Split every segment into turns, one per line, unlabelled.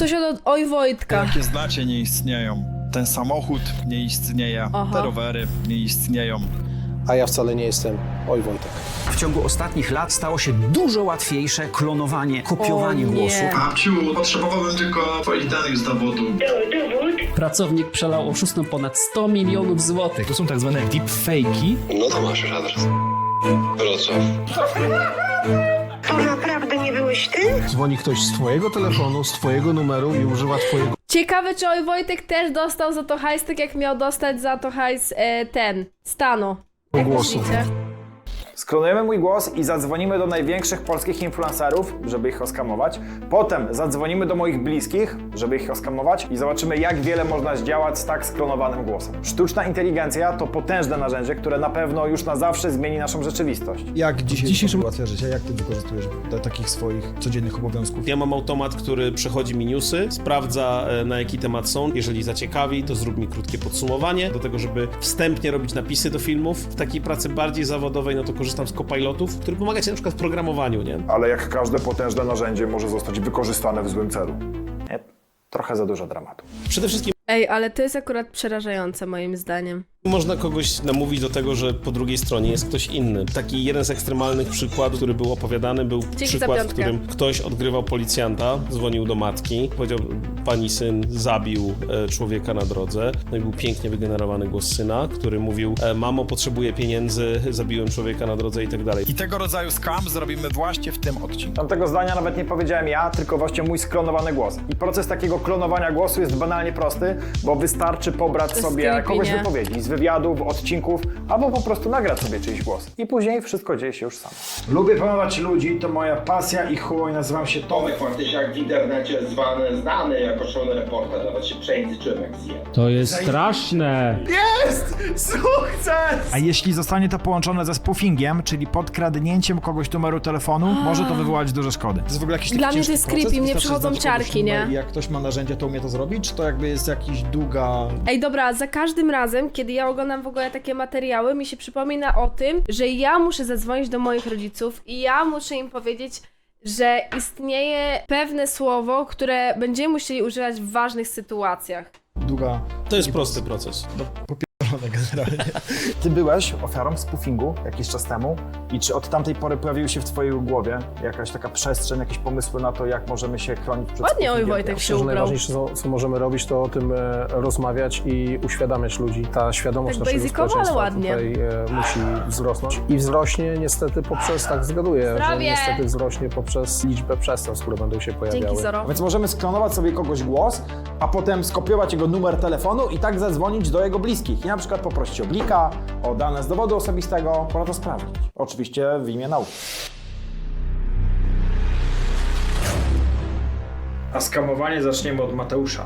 coś od Oj Wojtka.
Jakie znacie, nie istnieją. Ten samochód nie istnieje,
Aha.
te rowery nie istnieją.
A ja wcale nie jestem Oj Wojtek.
W ciągu ostatnich lat stało się dużo łatwiejsze klonowanie, kopiowanie
O nie.
głosów.
Babciu, potrzebowałbym tylko twoich danych z dowodu.
Pracownik przelał oszustom ponad 100 milionów złotych.
To są tak zwane deepfake'i.
No to masz już adres. Wrocław.
To naprawdę nie byłeś ty?
Dzwoni ktoś z twojego telefonu, z twojego numeru i używa twojego
Ciekawe, czy Oj Wojtek też dostał za to hajs, tak jak miał dostać za to hajs Stano. Jak
głosu.
myślicie?
Sklonujemy mój głos i zadzwonimy do największych polskich influencerów, żeby ich oskamować. Potem zadzwonimy do moich bliskich, żeby ich oskamować i zobaczymy, jak wiele można zdziałać z tak sklonowanym głosem. Sztuczna inteligencja to potężne narzędzie, które na pewno już na zawsze zmieni naszą rzeczywistość.
Jak dzisiejszym ułatwia życie? Jak ty wykorzystujesz do takich swoich codziennych obowiązków?
Ja mam automat, który przechodzi mi newsy, sprawdza na jaki temat są. Jeżeli zaciekawi, to zrób mi krótkie podsumowanie. Do tego, żeby wstępnie robić napisy do filmów. W takiej pracy bardziej zawodowej, no to korzystam z copilotów, który pomaga ci na przykład w programowaniu, nie?
Ale jak każde potężne narzędzie może zostać wykorzystane w złym celu. Trochę za dużo dramatu.
Przede wszystkim
Ej, ale to jest akurat przerażające moim zdaniem.
można kogoś namówić do tego, że po drugiej stronie jest ktoś inny. Taki jeden z ekstremalnych przykładów, który był opowiadany, był
Dzięki za
przykład, w
piątkę.
którym ktoś odgrywał policjanta, dzwonił do matki, powiedział, pani syn zabił człowieka na drodze. No i był pięknie wygenerowany głos syna, który mówił, mamo, potrzebuję pieniędzy, zabiłem człowieka na drodze i tak dalej.
I tego rodzaju scam zrobimy właśnie w tym odcinku.
Tamtego zdania nawet nie powiedziałem ja, tylko właśnie mój sklonowany głos. I proces takiego klonowania głosu jest banalnie prosty, bo wystarczy pobrać
To jest
sobie
creepy,
kogoś
nie?
wypowiedzi z wywiadów, odcinków, albo po prostu nagrać sobie czyjś głos. I później wszystko dzieje się już samo. Lubię pomagać ludzi, to moja pasja i chuj, nazywam się Tomek.
Jak w internecie znany jako szalony reporter, nawet się przejęzyczyłem jak zjem.
To jest straszne.
A jeśli zostanie to połączone ze spoofingiem, czyli podkradnięciem kogoś numeru telefonu, może to wywołać duże szkody.
To jest w ogóle jakiś
Dla
taki
mnie to
ciężki
jest
proces?
creepy, mnie
Wystarczy
przychodzą
znać kogoś
ciarki,
numer
nie?
I jak ktoś ma narzędzie, to umie to zrobić? Czy to jakby jest jakaś długa...
Ej, dobra, za każdym razem, kiedy ja oglądam w ogóle takie materiały, mi się przypomina o tym, że ja muszę zadzwonić do moich rodziców i ja muszę im powiedzieć, że istnieje pewne słowo, które będziemy musieli używać w ważnych sytuacjach.
Długa...
To jest prosty proces.
generalnie.
Ty byłeś ofiarą spoofingu jakiś czas temu i czy od tamtej pory pojawiły się w twojej głowie jakaś taka przestrzeń, jakieś pomysły na to, jak możemy się chronić przed
Ładnie Oj
spoofingiem?
Wojtek się
Myślę, że
ubrał.
najważniejsze, co możemy robić, to o tym rozmawiać i uświadamiać ludzi. Ta świadomość
Tak
naszego
basicowo, ale
społeczeństwa
ładnie.
tutaj musi wzrosnąć. I wzrośnie niestety poprzez, tak zgaduję, że
Zdrowie!
niestety wzrośnie poprzez liczbę przestępstw, które będą się pojawiały.
Dzięki, Zoro.
A więc możemy sklonować sobie kogoś głos, a potem skopiować jego numer telefonu i tak zadzwonić do jego bliskich. I na przykład poprosić o blika, o dane z dowodu osobistego. Pora to sprawdzić. Oczywiście w imię nauki. A skamowanie zaczniemy od Mateusza.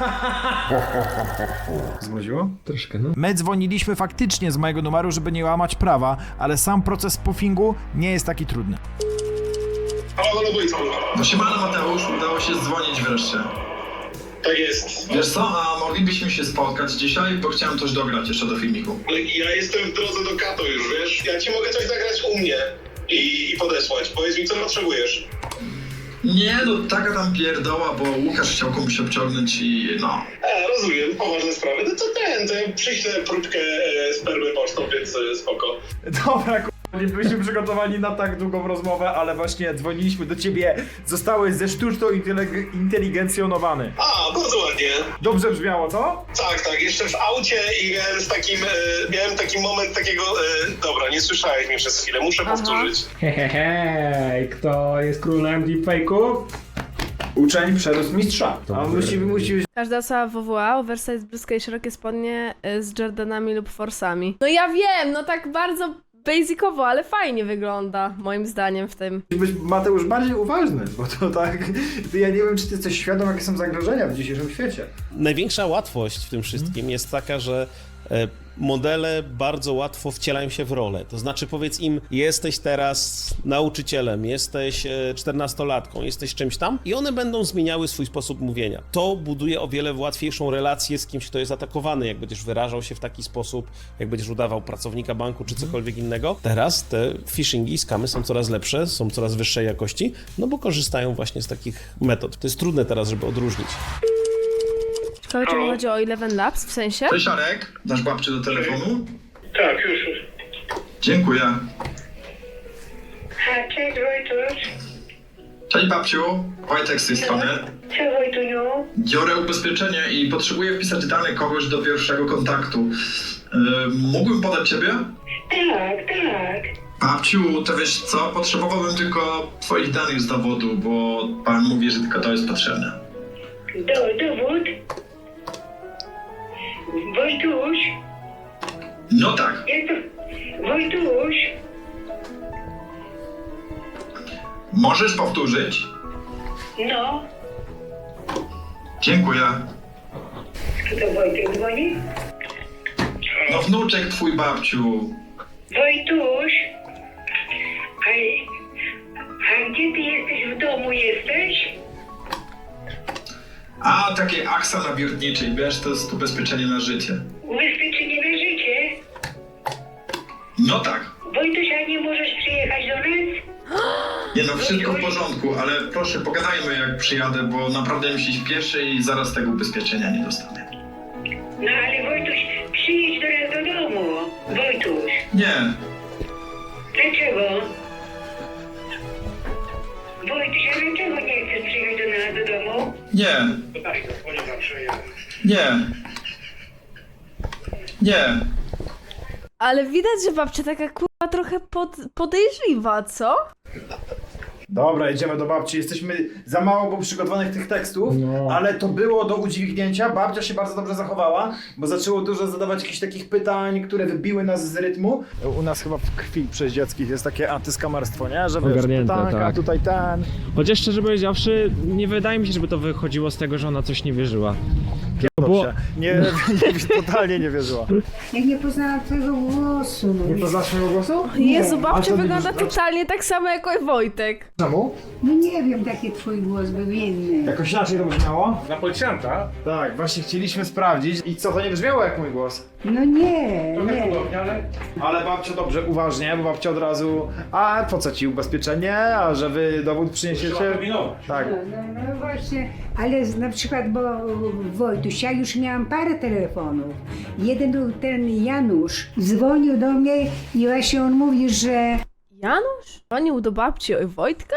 Zmroziło?
Troszkę, no.
My dzwoniliśmy faktycznie z mojego numeru, żeby nie łamać prawa, ale sam proces spoofingu nie jest taki trudny.
Halo, Wojtku.
No siemano Mateusz, udało się dzwonić wreszcie.
Tak jest.
Wiesz co, a moglibyśmy się spotkać dzisiaj, bo chciałem coś dograć jeszcze do filmiku.
Ja jestem w drodze do Kato już, wiesz? Ja ci mogę coś zagrać u mnie i podesłać. Powiedz mi, co potrzebujesz.
Nie, no taka tam pierdoła, bo Łukasz chciał komuś obciągnąć i no.
Rozumiem, poważne sprawy. No to ja przyślę próbkę spermy pocztą, więc spoko.
Dobra, nie byliśmy przygotowani na tak długą rozmowę, ale właśnie dzwoniliśmy do ciebie. Zostałeś ze sztuczną inteligencjonowany.
A, bardzo ładnie.
Dobrze brzmiało, co?
Tak, jeszcze w aucie i miałem taki moment takiego... dobra, nie słyszałeś mnie przez chwilę, muszę powtórzyć.
Hehehe, kto jest królem deepfake'ów?
Uczeń przerósł mistrza. A musi
Każda osoba WWA oversize, bluzka i szerokie spodnie z Jordanami lub forsami. No ja wiem, no tak bardzo basicowo, ale fajnie wygląda, moim zdaniem w tym.
być, Mateusz, bardziej uważny, bo to tak... Ja nie wiem, czy ty jesteś świadom, jakie są zagrożenia w dzisiejszym świecie.
Największa łatwość w tym wszystkim jest taka, że Modele bardzo łatwo wcielają się w rolę. To znaczy powiedz im, jesteś teraz nauczycielem, jesteś 14-latką, jesteś czymś tam i one będą zmieniały swój sposób mówienia. To buduje o wiele łatwiejszą relację z kimś, kto jest atakowany, jak będziesz wyrażał się w taki sposób, jak będziesz udawał pracownika banku czy cokolwiek innego. Teraz te phishingi, skamy są coraz lepsze, są coraz wyższej jakości, no bo korzystają właśnie z takich metod. To jest trudne teraz, żeby odróżnić.
Ciekawe, czy chodzi o Eleven Labs, w sensie?
Cześć Arek, dasz babcię do telefonu?
Tak, już.
Dziękuję.
A cześć Wojtuś.
Cześć babciu, Wojtek z tej strony.
Co Wojtuniu?
Biorę ubezpieczenie i potrzebuję wpisać dane kogoś do pierwszego kontaktu. Mógłbym podać ciebie?
Tak.
Babciu, to wiesz co, potrzebowałbym tylko twoich danych z dowodu, bo pan mówi, że tylko to jest potrzebne.
Dowód? Wojtuś?
No tak.
Jak to? Wojtuś?
Możesz powtórzyć?
No.
Dziękuję.
Kto Wojtek dzwoni?
No wnuczek twój, babciu.
Wojtuś? A gdzie ty jesteś? W domu jesteś?
A, takie aksa nawiertniczej, wiesz, to jest ubezpieczenie na życie.
Ubezpieczenie na życie?
No tak.
Wojtuś, a nie możesz przyjechać do nas?
Nie no, wszystko w porządku, ale proszę pogadajmy jak przyjadę, bo naprawdę mi się śpieszy i zaraz tego ubezpieczenia nie dostanę.
No ale Wojtuś, przyjedź do nas do domu. Wojtuś.
Nie,
Dlaczego? Wojtuś, a dlaczego nie chcesz przyjechać do nas do domu?
nie, nie, nie.
Ale widać, że babcia taka kurwa trochę podejrzliwa, co?
Dobra, jedziemy do babci. Jesteśmy za mało było przygotowanych tych tekstów, ale to było do udźwignięcia. Babcia się bardzo dobrze zachowała, bo zaczęło dużo zadawać jakichś takich pytań, które wybiły nas z rytmu. U nas chyba w krwi przez dzieckich jest takie antyskamarstwo, nie? Że wiesz,
Ogarnięte,
pytanka,
tak.
tutaj ten.
Chociaż szczerze powiedziawszy, nie wydaje mi się, żeby to wychodziło z tego, że ona coś nie wierzyła.
Dobrze. Totalnie nie wierzyła.
Ja nie poznałam twojego głosu.
Nie poznasz mojego głosu?
Jezu,
A
babcia
to
wygląda
widzisz-
totalnie tak samo jak Wojtek.
Czemu?
No nie wiem, taki twój głos był inny.
Jakoś inaczej to brzmiało?
Na policjanta?
Tak, właśnie chcieliśmy sprawdzić. I co, to nie brzmiało jak mój głos?
No nie.
Ale babcia dobrze, uważnie, bo babcia od razu, a po co ci ubezpieczenie, a że wy dowód przyniesiecie? Tak.
No właśnie, ale na przykład, bo Wojtuś, ja już miałam parę telefonów. Jeden był ten Janusz, dzwonił do mnie i właśnie on mówi, że
Janusz? Dzwonił do babci Wojtka?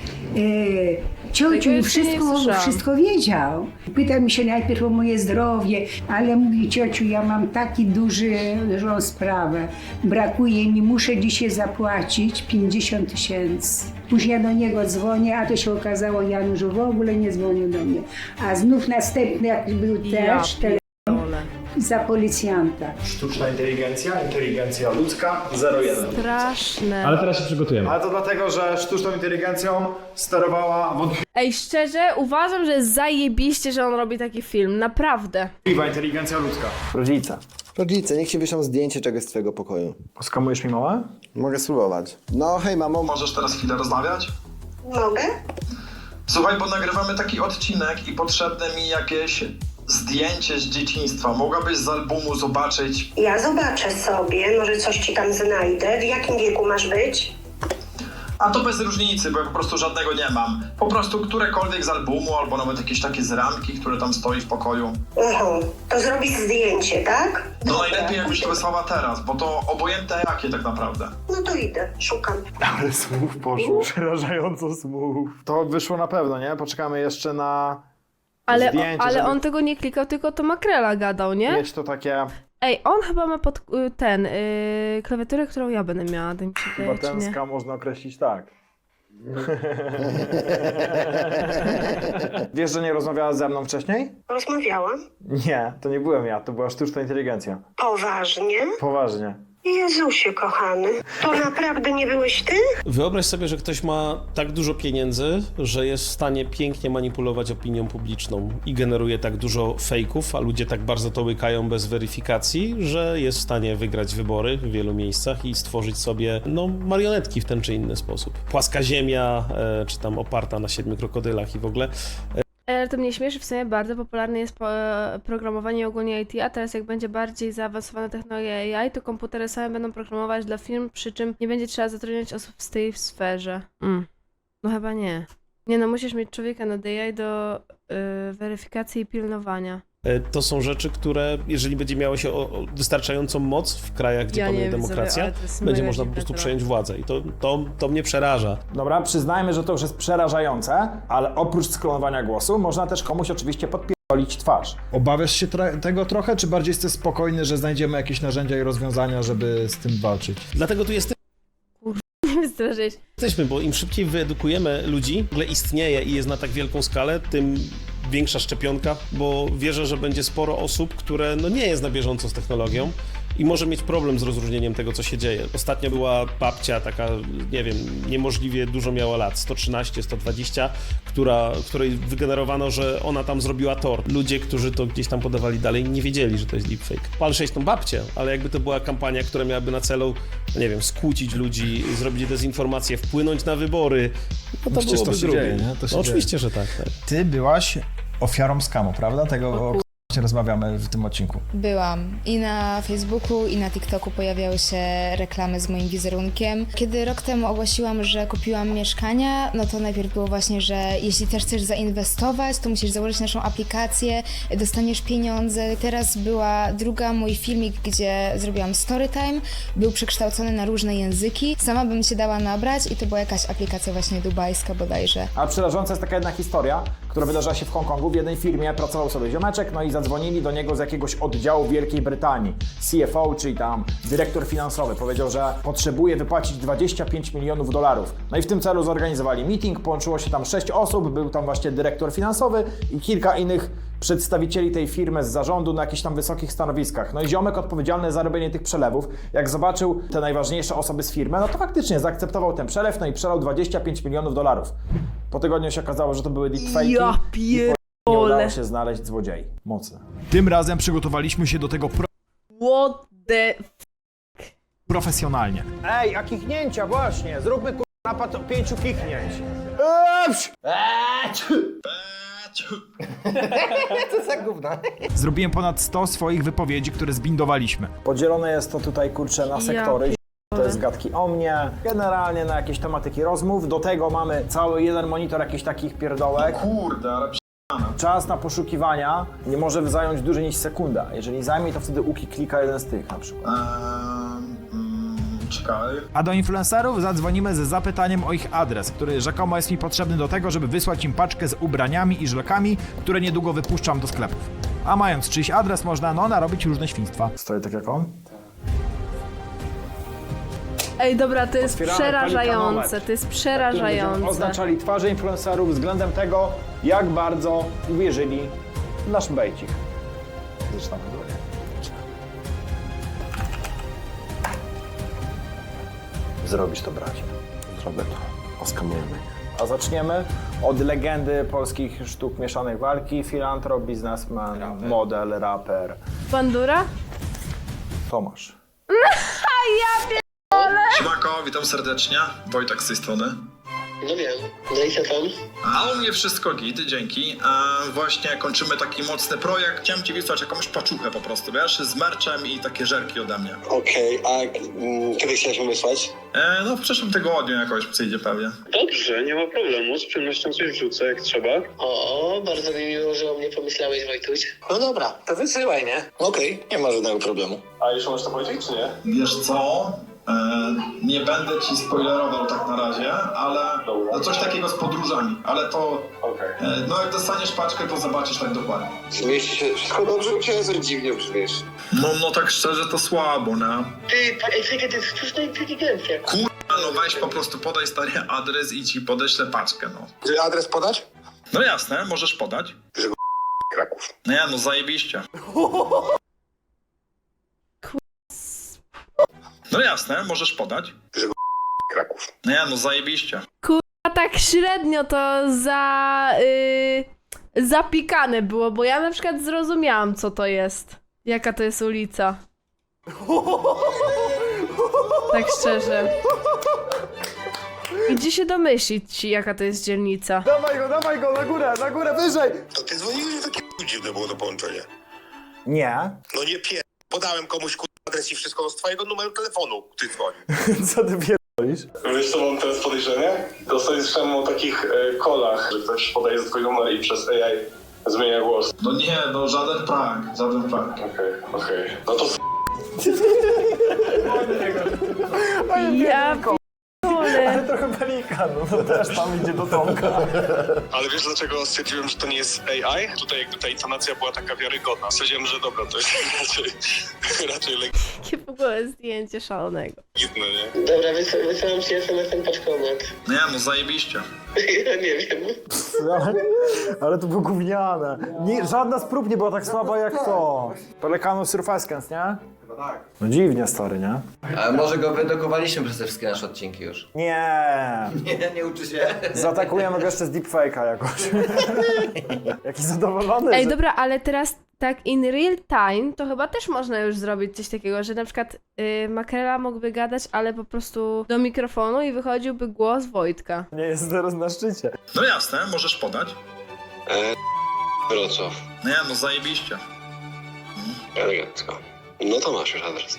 ciociu
Tego jeszcze nie słyszałam.
wszystko wiedział. Pytał mi się najpierw o moje zdrowie, ale mówi, ciociu, ja mam taki dużą sprawę. Brakuje mi, muszę dzisiaj zapłacić 50 000. Później ja do niego dzwonię, a to się okazało, Janusz w ogóle nie dzwonił do mnie. A znów następny, jak był też telefon za policjanta.
Sztuczna inteligencja ludzka 0,1.
Straszne.
Ale teraz się przygotujemy.
Ale to dlatego, że sztuczną inteligencją sterowała
Ej, szczerze, uważam, że jest zajebiście, że on robi taki film. Naprawdę.
wątpliwa inteligencja ludzka. Rodzice.
Rodzice, niech ci wyślą zdjęcie czegoś z twojego pokoju.
Skamujesz mi małe?
Mogę spróbować. No hej mamo.
Możesz teraz chwilę rozmawiać?
Mogę?
Słuchaj, bo nagrywamy taki odcinek i potrzebne mi jakieś zdjęcie z dzieciństwa. Mogłabyś z albumu zobaczyć?
Ja zobaczę sobie, może coś ci tam znajdę. W jakim wieku masz być?
A to bez różnicy, bo ja po prostu żadnego nie mam. Po prostu którekolwiek z albumu, albo nawet jakieś takie z ramki, które tam stoi w pokoju.
To zrobisz zdjęcie, tak?
No najlepiej jakbyś to wysłała teraz, bo to obojętne jakie tak naprawdę.
No to idę, szukam.
Ale słów poszło. Przerażająco słów. To wyszło na pewno, nie? Poczekamy jeszcze na zdjęcie,
Ale
żeby
on tego nie klikał, tylko to Makrela gadał, nie?
mieć to takie...
Ej, on chyba ma pod klawiaturę, którą ja będę miała, to mi się wydaje, czy nie?
Batenska można określić tak. Wiesz, że nie rozmawiała ze mną wcześniej?
Rozmawiałam.
Nie, to nie byłem ja, to była sztuczna inteligencja.
Poważnie?
Poważnie.
Jezusie kochany, to naprawdę nie byłeś ty?
Wyobraź sobie, że ktoś ma tak dużo pieniędzy, że jest w stanie pięknie manipulować opinią publiczną i generuje tak dużo fejków, a ludzie tak bardzo to łykają bez weryfikacji, że jest w stanie wygrać wybory w wielu miejscach i stworzyć sobie, no, marionetki w ten czy inny sposób. Płaska ziemia, czy tam oparta na 7 krokodylach i w ogóle.
Ale to mnie śmieszy, w sumie bardzo popularne jest programowanie ogólnie IT, a teraz jak będzie bardziej zaawansowana technologia AI, to komputery same będą programować dla firm, przy czym nie będzie trzeba zatrudniać osób z tej sferze. No chyba nie. Nie no, musisz mieć człowieka nad AI do weryfikacji i pilnowania.
To są rzeczy, które, jeżeli będzie miało się wystarczającą moc w krajach, gdzie panuje demokracja, będzie można po prostu przejąć władzę i to mnie przeraża.
Dobra, przyznajmy, że to już jest przerażające, ale oprócz sklonowania głosu można też komuś oczywiście podpierdolić twarz.
Obawiasz się tego trochę, czy bardziej jesteś spokojny, że znajdziemy jakieś narzędzia i rozwiązania, żeby z tym walczyć?
Dlatego tu jesteśmy, bo im szybciej wyedukujemy ludzi, w ogóle istnieje i jest na tak wielką skalę, tym większa szczepionka, bo wierzę, że będzie sporo osób, które no nie jest na bieżąco z technologią i może mieć problem z rozróżnieniem tego, co się dzieje. Ostatnio była babcia taka, nie wiem, niemożliwie dużo miała lat, 113, 120, której wygenerowano, że ona tam zrobiła tort. Ludzie, którzy to gdzieś tam podawali dalej, nie wiedzieli, że to jest deepfake. Pal 6 tą babcię, ale jakby to była kampania, która miałaby na celu, nie wiem, skłócić ludzi, zrobić dezinformację, wpłynąć na wybory, no to byłoby drugie. No, oczywiście, że tak.
Ty byłaś ofiarą skamu, prawda? Tego, o którym rozmawiamy w tym odcinku.
Byłam. I na Facebooku, i na TikToku pojawiały się reklamy z moim wizerunkiem. Kiedy rok temu ogłosiłam, że kupiłam mieszkania, no to najpierw było właśnie, że jeśli też chcesz zainwestować, to musisz założyć naszą aplikację, dostaniesz pieniądze. Teraz była druga mój filmik, gdzie zrobiłam storytime, był przekształcony na różne języki. Sama bym się dała nabrać i to była jakaś aplikacja właśnie dubajska bodajże.
A przerażąca jest taka jedna historia, która wydarzyła się w Hongkongu. W jednej firmie pracował sobie ziomeczek, no i zadzwonili do niego z jakiegoś oddziału Wielkiej Brytanii. CFO, czyli tam dyrektor finansowy, powiedział, że potrzebuje wypłacić $25 milionów. No i w tym celu zorganizowali meeting, połączyło się tam 6 osób, był tam właśnie dyrektor finansowy i kilka innych przedstawicieli tej firmy z zarządu na jakichś tam wysokich stanowiskach. No i ziomek odpowiedzialny za robienie tych przelewów, jak zobaczył te najważniejsze osoby z firmy, no to faktycznie zaakceptował ten przelew, no i przelał $25 milionów. Po tygodniu się okazało, że to były deepfake'i.
Ja
Nie udało się znaleźć złodziei. Mocne.
Tym razem przygotowaliśmy się do tego
What the...
profesjonalnie.
Ej, a kichnięcia właśnie! Zróbmy napad 5 kichnięć. Co za gówno?
Zrobiłem ponad 100 swoich wypowiedzi, które zbindowaliśmy.
Podzielone jest to tutaj, kurczę, na sektory. To jest gadki o mnie, generalnie na jakieś tematyki rozmów. Do tego mamy cały jeden monitor jakichś takich pierdołek.
Kurde, ale
Czas na poszukiwania nie może zająć dłużej niż sekunda. Jeżeli zajmie, to wtedy Uki klika jeden z tych na przykład.
Czekaj.
A do influencerów zadzwonimy z zapytaniem o ich adres, który rzekomo jest mi potrzebny do tego, żeby wysłać im paczkę z ubraniami i żlekami, które niedługo wypuszczam do sklepów. A mając czyjś adres, można narobić różne świństwa.
Stoję tak jak on?
Ej, dobra, to jest
Otwieramy
przerażające,
pelikanometr,
to jest
na którym
przerażające.
będziemy oznaczali twarze influencerów względem tego, jak bardzo uwierzyli w nasz bejcik. Zaczynamy drogie. Zrobisz to, bracie. Zrobię to. Oskamujemy. A zaczniemy od legendy polskich sztuk mieszanej walki. Filantrop, biznesmen, model, raper.
Bandura?
Tomasz.
Ja pierdolę!
Siemanko, witam serdecznie. Wojtek z tej strony.
No wiem, no i co tam?
A u mnie wszystko git, dzięki. Właśnie kończymy taki mocny projekt. Chciałem ci wysłać jakąś paczuchę po prostu, wiesz, z merczem i takie żerki ode mnie.
Okej, a kiedy chciałeś ją wysłać?
No w przyszłym tygodniu jakoś przyjdzie pewnie.
Dobrze, nie ma problemu, z przyjemnością coś wrzucę jak trzeba. O, bardzo mi miło, że o mnie pomyślałeś, Wojtuś. No dobra, to wysyłaj, nie? Okej, nie ma żadnego problemu. A już możesz to powiedzieć, czy nie?
Wiesz co? Nie będę ci spoilerował tak na razie, ale no coś takiego z podróżami, ale to no jak dostaniesz paczkę, to zobaczysz tak dokładnie.
Zmieści się wszystko dobrze u ciebie, dziwnie brzmiesz.
No tak szczerze to słabo, nie?
Ty jest sztuczna inteligencja.
No weź po prostu podaj stary adres i ci podeślę paczkę, no.
Czy adres podać?
No jasne, możesz podać.
Kraków.
No ja, no zajebiście. No jasne, możesz podać. Kraków. Nie, no zajebiście.
A tak średnio to zapikane było, bo ja na przykład zrozumiałam, co to jest. Jaka to jest ulica. Tak szczerze. Idzie się domyślić ci, jaka to jest dzielnica.
Dawaj go, na górę, wyżej!
To ty dzwoniłeś, takie dziwne było to połączenie.
Nie.
No nie podałem komuś adres i wszystko z twojego numeru telefonu, ty dzwoni.
Co ty pierdolisz?
Wiesz co mam teraz podejrzenie? Dosyć słyszałem o takich kolach, że ktoś podaje swój numer i przez AI zmienia głos. No nie, no żaden prank. Okej. No to
Ja
Ale trochę pelikan, no też tam idzie do Tomka.
Ale wiesz dlaczego stwierdziłem, że to nie jest AI? Tutaj jakby ta intonacja była taka wiarygodna. Stwierdziłem, że dobra, to jest raczej
Jakie w ogóle zdjęcie szalonego.
legitne, nie? Dobra, wysyłam ci SMS-em paczkomat.
nie, no zajebiście.
Ja nie wiem.
Ale to było gówniane. Żadna z prób nie była tak słaba jak to. Pelikanu Surfaskens, nie? Chyba tak. No dziwnie, stary, nie?
Ale może go wydokowaliśmy przez te wszystkie nasze odcinki już.
Nie.
Nie uczy się.
Zaatakujemy go jeszcze z deepfake'a jakoś. Jaki zadowolony.
Ej, dobra, ale teraz tak in real time to chyba też można już zrobić coś takiego, że na przykład Makrela mógłby gadać, ale po prostu do mikrofonu i wychodziłby głos Wojtka.
Nie jest teraz na szczycie.
No jasne, możesz podać.
Wrocław.
Nie, no zajebiście.
Elegancko. No to masz już adres.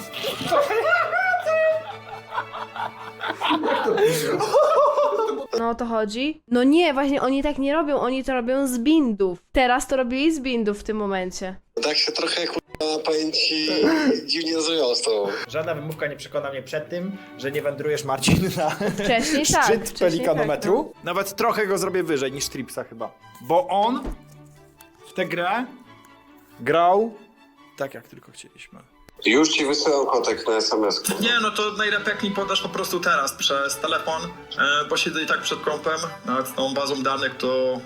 No o to chodzi? No nie, właśnie oni tak nie robią, oni to robią z bindów. Teraz to robili z bindów w tym momencie.
Tak się trochę powiem ci dziwnie zrobiło z tobą.
Żadna wymówka nie przekona mnie przed tym, że nie wędrujesz, Marcin, na
Wcześniej tak,
szczyt
wcześniej
pelikanometru.
tak,
Nawet trochę go zrobię wyżej niż Tripsa chyba. Bo on w tę grę grał tak, jak tylko chcieliśmy.
Już ci wysyłam kotek na SMS-ku.
Nie, no to najlepiej jak mi podasz po prostu teraz przez telefon, bo siedzę i tak przed kompem, nawet z tą bazą danych to...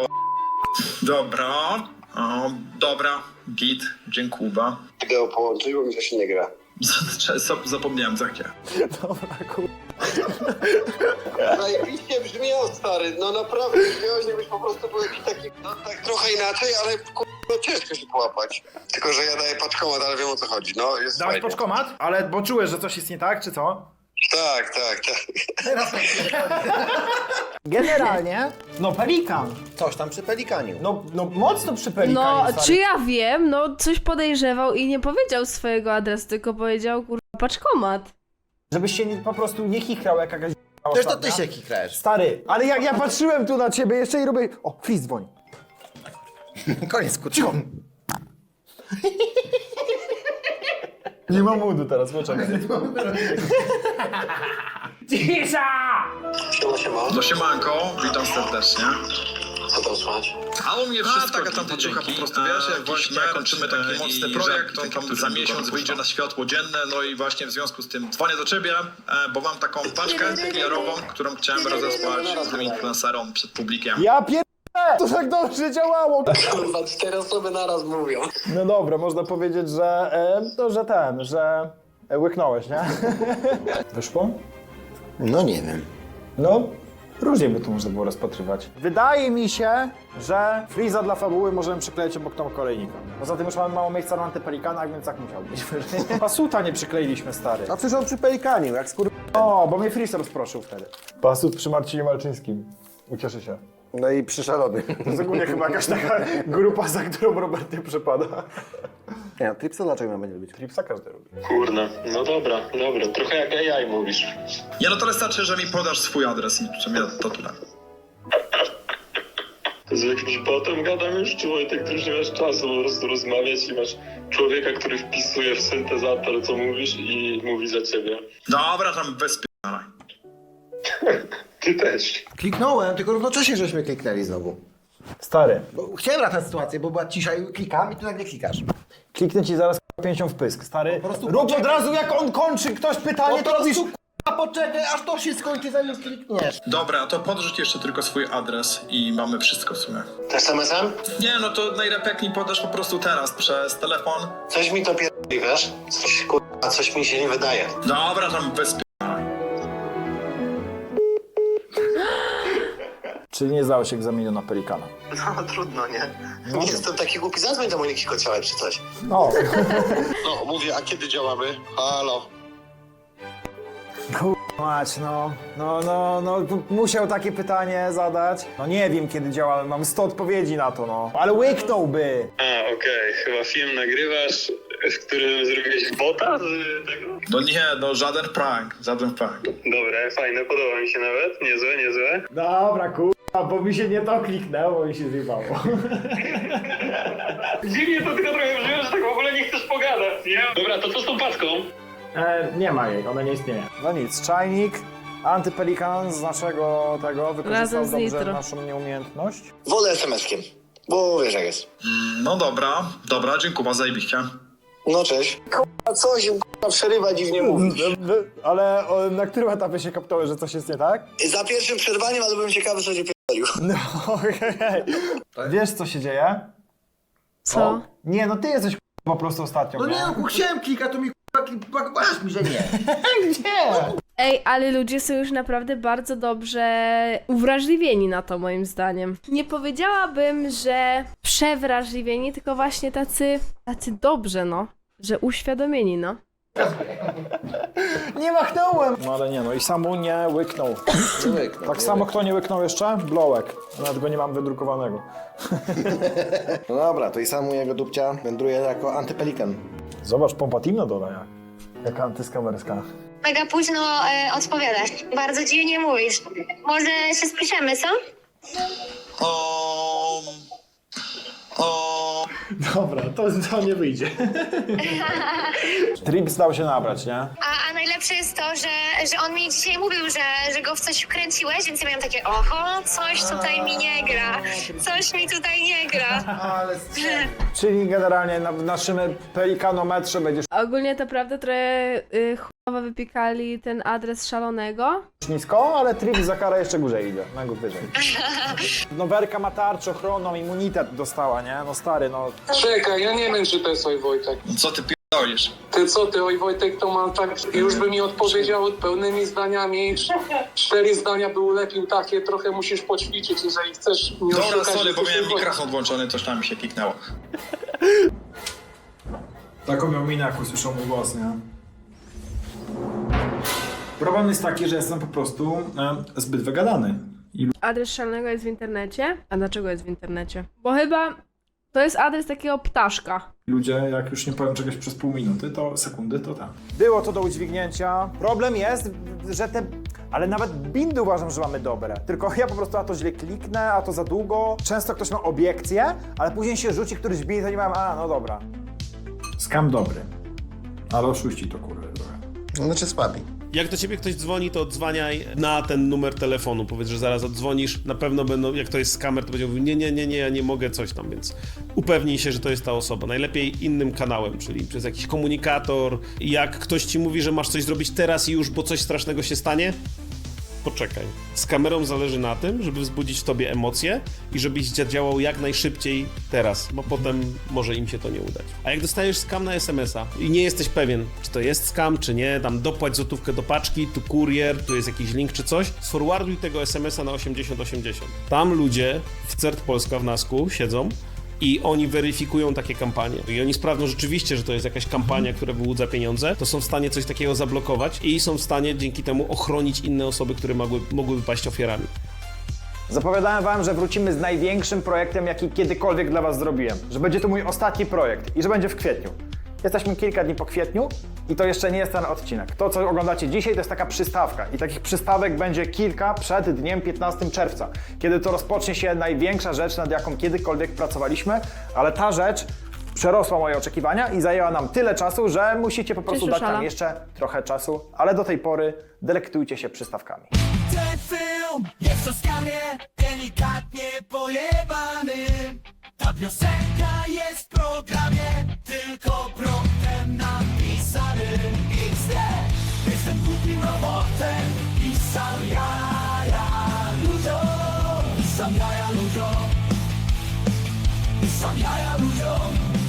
Dobra, git, dziękuję.
Wideo połączyć, bo mi to się nie gra.
Zapomniałem za gdzie.
Dobra,
Zajebiście brzmiał, stary, no naprawdę brzmiałeś, jakbyś po prostu był jakiś taki, no tak trochę inaczej, ale no ciężko się połapać. Tylko, że ja daję paczkomat, ale wiem o co chodzi, no jest
Dałeś
fajnie.
paczkomat? Ale bo czułeś, że coś jest nie tak, czy co?
Tak.
Generalnie, no pelikan.
Coś tam przy pelikaniu.
No mocno przy pelikanie.
No, czy ja wiem, no coś podejrzewał i nie powiedział swojego adresu, tylko powiedział kurwa paczkomat.
Żebyś się po prostu nie chichrał jak jakaś
Też to ty się kikrajesz.
Stary, ale jak ja patrzyłem tu na ciebie jeszcze i robię... O, Chris dzwoni.
Koniec, cicho.
Nie mam moodu teraz, poczekaj. Cisza!
Siema.
No siemanko, witam serdecznie.
Co tam słychać?
A u mnie wszystko taka tam paczucha po prostu, wiesz, jak właśnie kończymy taki mocny projekt, on tam za miesiąc wyjdzie na światło dzienne, no i właśnie w związku z tym dzwonię do ciebie, bo mam taką paczkę PR-ową, którą chciałem rozesłać tym influencerom przed publikiem.
Ja to tak dobrze działało!
Kurwa, 4 osoby naraz mówią.
No dobra, można powiedzieć, że... że łyknąłeś, nie? Wyszło?
No nie wiem.
No, różnie by to można było rozpatrywać. Wydaje mi się, że Freeza dla fabuły możemy przykleić obok Tomka Kolejnika. Poza tym już mamy mało miejsca na antypelikanach, więc tak musiał być. Pasuta nie przykleiliśmy, stary.
A przecież on przy pelikaniu, jak
O, bo mnie Freeze rozproszył wtedy. Pasut przy Marcinie Malczyńskim. Ucieszy się.
No i przy szalony.
To jest ogólnie chyba jakaś taka grupa, za którą Robert nie przepada.
Nie, no, Tripsa dlaczego mam nie lubić?
Tripsa każdy lubi.
Kurna, no dobra, trochę jak AI mówisz.
Nie, no to wystarczy, że mi podasz swój adres i w sumie to tyle.
Z jakimś botem gadam już, czy Wojtek, ty już nie masz czasu po prostu rozmawiać i masz człowieka, który wpisuje w syntezator, co mówisz i mówi za ciebie.
Dobra, tam bezpieczna.
Ty też.
Kliknąłem, tylko równocześnie żeśmy kliknęli znowu.
Stary.
Bo chciałem ratać sytuację, bo była cisza i klikam i tu nagle klikasz.
Kliknę ci zaraz pięścią w pysk. Stary,
Po prostu
rób od razu jak on kończy ktoś pytanie, to robisz...
poczekaj, aż to się skończy, zanim klikniesz.
Dobra, to podrzuć jeszcze tylko swój adres i mamy wszystko w sumie.
SMS-em?
Nie, no to najlepiej jak mi podasz po prostu teraz przez telefon.
Coś mi to pierdoli, wiesz? Coś mi się nie wydaje.
Dobra, tam bez
Czyli nie zdałeś egzaminu na pelikana.
No trudno, nie? Nie jestem taki głupi, zadzwoń do Moniki Kociołek czy coś.
No.
No, mówię, a kiedy działamy? Halo.
Mać, no, musiał takie pytanie zadać. No nie wiem kiedy działamy, mam 100 odpowiedzi na to, no. Ale łyknąłby!
A, okej, chyba film nagrywasz, w którym zrobiłeś bota z tego?
No nie, no żaden prank.
Dobre, fajne, podoba mi się nawet, niezłe.
Dobra, bo mi się nie to kliknęło i się zjebało.
Dziwnie to tylko trochę brzmi, że tak w ogóle nie chcesz pogadać, nie? Dobra, to co z tą paczką?
Nie ma jej, ona nie istnieje. No nic, czajnik, antypelikan z naszego tego wykorzystał
Razem z
dobrze
Nitro.
naszą nieumiejętność.
Wolę SMS-kiem, bo wiesz jak jest.
No dobra, dziękuję, zajebiście.
No cześć. K***a, co się przerywa dziwnie mówisz?
Ale na którym etapie się kapnąłeś, że coś jest nie tak?
Za pierwszym przerwaniem, ale byłem ciekawy, co cię pierdolił.
No okej. Wiesz co się dzieje?
Co?
O, nie, no ty jesteś po prostu ostatnio.
No nie, no chciałem klikać, to mi masz mi, że nie.
Gdzie?
Ej, ale ludzie są już naprawdę bardzo dobrze uwrażliwieni na to, moim zdaniem. Nie powiedziałabym, że przewrażliwieni, tylko właśnie tacy dobrze, no. Że uświadomieni, no.
Nie machnąłem! No ale nie, no i Samu nie łyknął. Tak samo kto nie łyknął jeszcze? Blołek. Nawet go nie mam wydrukowanego.
No dobra, to i sam jego dupcia wędruje jako antypelikan.
Zobacz, pompa team na dole jak. Jaka antyskamerska.
Mega późno odpowiadasz. Bardzo dziwnie mówisz. Może się spiszemy, co?
Dobra, to nie wyjdzie. Trips dał się nabrać, nie?
A najlepsze jest to, że on mi dzisiaj mówił, że go w coś wkręciłeś, więc ja miałam takie oho, coś tutaj mi nie gra. Coś mi tutaj nie gra.
Czyli generalnie w naszym pelikanometrze będziesz
Ogólnie to prawda, trochę chujowo wypikali ten adres szalonego.
nisko, ale Trips za karę jeszcze górzej idzie, na górę wyżej. No Werka ma tarczę ochronną, immunitet dostała, nie? No stary, no...
Czekaj, ja nie wiem, czy to jest Oj Wojtek.
Co ty pierdolisz?
Ty co, ty Oj Wojtek to ma tak, już by mi odpowiedział pełnymi zdaniami. 4 zdania by ulepił takie, trochę musisz poćwiczyć, jeżeli chcesz mnie
Dobra,
oszukać,
sorry,
że
bo
to
miałem
jest Wojtek.
mikrofon włączony, coś tam mi się kliknęło.
Taką miał minę, jak usłyszał mój głos, nie? Problem jest taki, że jestem po prostu zbyt wygadany.
Adres szalonego jest w internecie. A dlaczego jest w internecie? Bo chyba to jest adres takiego ptaszka.
Ludzie, jak już nie powiem czegoś przez pół minuty, to sekundy, to tak. Było to do udźwignięcia. Problem jest, że ale nawet bindy uważam, że mamy dobre. Tylko ja po prostu a to źle kliknę, a to za długo. Często ktoś ma obiekcję, ale później się rzuci któryś bind, to nie mam, no dobra. Skam dobry. Ale oszuści to kurwa trochę.
Znaczy słabi.
Jak do ciebie ktoś dzwoni, to odzwaniaj na ten numer telefonu. Powiedz, że zaraz oddzwonisz. Na pewno będą, jak to jest skamer, to będzie mówił nie, ja nie mogę coś tam, więc upewnij się, że to jest ta osoba. Najlepiej innym kanałem, czyli przez jakiś komunikator. Jak ktoś ci mówi, że masz coś zrobić teraz i już, bo coś strasznego się stanie, poczekaj. Z kamerą zależy na tym, żeby wzbudzić w tobie emocje i żebyś działał jak najszybciej teraz, bo potem może im się to nie udać. A jak dostajesz skam na SMS-a i nie jesteś pewien, czy to jest skam, czy nie, tam dopłać złotówkę do paczki, tu kurier, tu jest jakiś link czy coś, sforwarduj tego SMS-a na 8080. Tam ludzie w CERT Polska w NASK-u siedzą i oni weryfikują takie kampanie. I oni sprawdzą rzeczywiście, że to jest jakaś kampania, która wyłudza pieniądze, to są w stanie coś takiego zablokować i są w stanie dzięki temu ochronić inne osoby, które mogłyby paść ofiarami.
Zapowiadałem wam, że wrócimy z największym projektem, jaki kiedykolwiek dla was zrobiłem. Że będzie to mój ostatni projekt i że będzie w kwietniu. Jesteśmy kilka dni po kwietniu i to jeszcze nie jest ten odcinek. To, co oglądacie dzisiaj, to jest taka przystawka. I takich przystawek będzie kilka przed dniem 15 czerwca, kiedy to rozpocznie się największa rzecz, nad jaką kiedykolwiek pracowaliśmy, ale ta rzecz przerosła moje oczekiwania i zajęła nam tyle czasu, że musicie po prostu dać nam jeszcze trochę czasu, ale do tej pory delektujcie się przystawkami.
Ten film jest o skamie, delikatnie pojebany. Ta piosenka jest w programie, tylko promptem napisany. XD, jestem głupim robotem. sam jaja ludziom. I sam jaja ludziom.